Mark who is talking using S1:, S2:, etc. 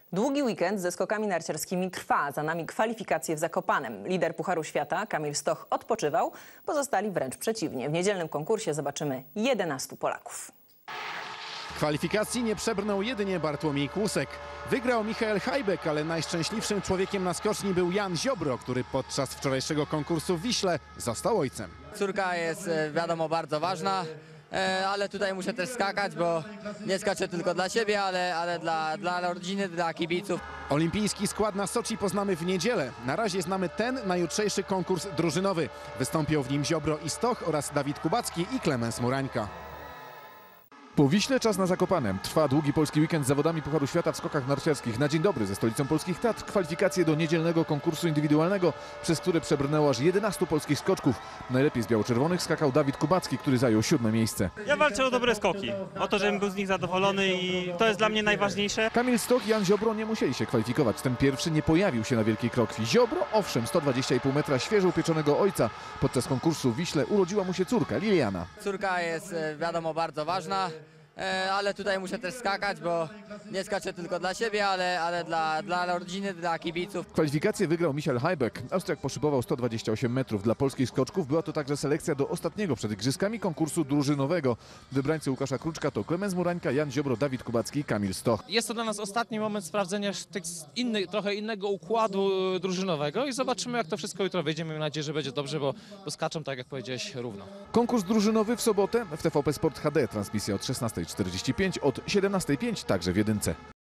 S1: Długi weekend ze skokami narciarskimi trwa. Za nami kwalifikacje w Zakopanem. Lider Pucharu Świata, Kamil Stoch, odpoczywał. Pozostali wręcz przeciwnie. W niedzielnym konkursie zobaczymy 11 Polaków.
S2: Kwalifikacji nie przebrnął jedynie Bartłomiej Kłusek. Wygrał Michael Hajbek, ale najszczęśliwszym człowiekiem na skoczni był Jan Ziobro, który podczas wczorajszego konkursu w Wiśle został ojcem.
S3: Córka jest, wiadomo, bardzo ważna, ale tutaj muszę też skakać, bo nie skaczę tylko dla siebie, ale dla rodziny, dla kibiców.
S2: Olimpijski skład na Soczi poznamy w niedzielę. Na razie znamy ten na jutrzejszy konkurs drużynowy. Wystąpią w nim Ziobro i Stoch oraz Dawid Kubacki i Klemens Murańka.
S4: Po Wiśle czas na Zakopane. Trwa długi polski weekend z zawodami Pucharu Świata w skokach narciarskich. Na dzień dobry ze stolicą polskich Tatr kwalifikacje do niedzielnego konkursu indywidualnego, przez które przebrnęło aż 11 polskich skoczków. Najlepiej z biało-czerwonych skakał Dawid Kubacki, który zajął 7. miejsce.
S5: Ja walczę o dobre skoki, o to, żebym był z nich zadowolony i to jest dla mnie najważniejsze.
S4: Kamil Stoch i Jan Ziobro nie musieli się kwalifikować. Ten pierwszy nie pojawił się na Wielkiej Krokwi. Ziobro, owszem, 120,5 metra świeżo upieczonego ojca. Podczas konkursu w Wiśle urodziła mu się córka, Liliana.
S3: Córka jest, wiadomo, bardzo ważna, ale tutaj muszę też skakać, bo nie skaczę tylko dla siebie, ale dla rodziny, dla kibiców.
S4: Kwalifikacje wygrał Michael Hajbek. Austriak poszybował 128 metrów. Dla polskich skoczków była to także selekcja do ostatniego przed igrzyskami konkursu drużynowego. Wybrańcy Łukasza Kruczka to Klemens Murańka, Jan Ziobro, Dawid Kubacki i Kamil Stoch.
S6: Jest to dla nas ostatni moment sprawdzenia trochę innego układu drużynowego i zobaczymy, jak to wszystko jutro wyjdzie. Miejmy nadzieję, że będzie dobrze, bo skaczą, tak jak powiedziałeś, równo.
S4: Konkurs drużynowy w sobotę w TVP Sport HD. Transmisja od 16:45, od 17:05 także w Jedynce.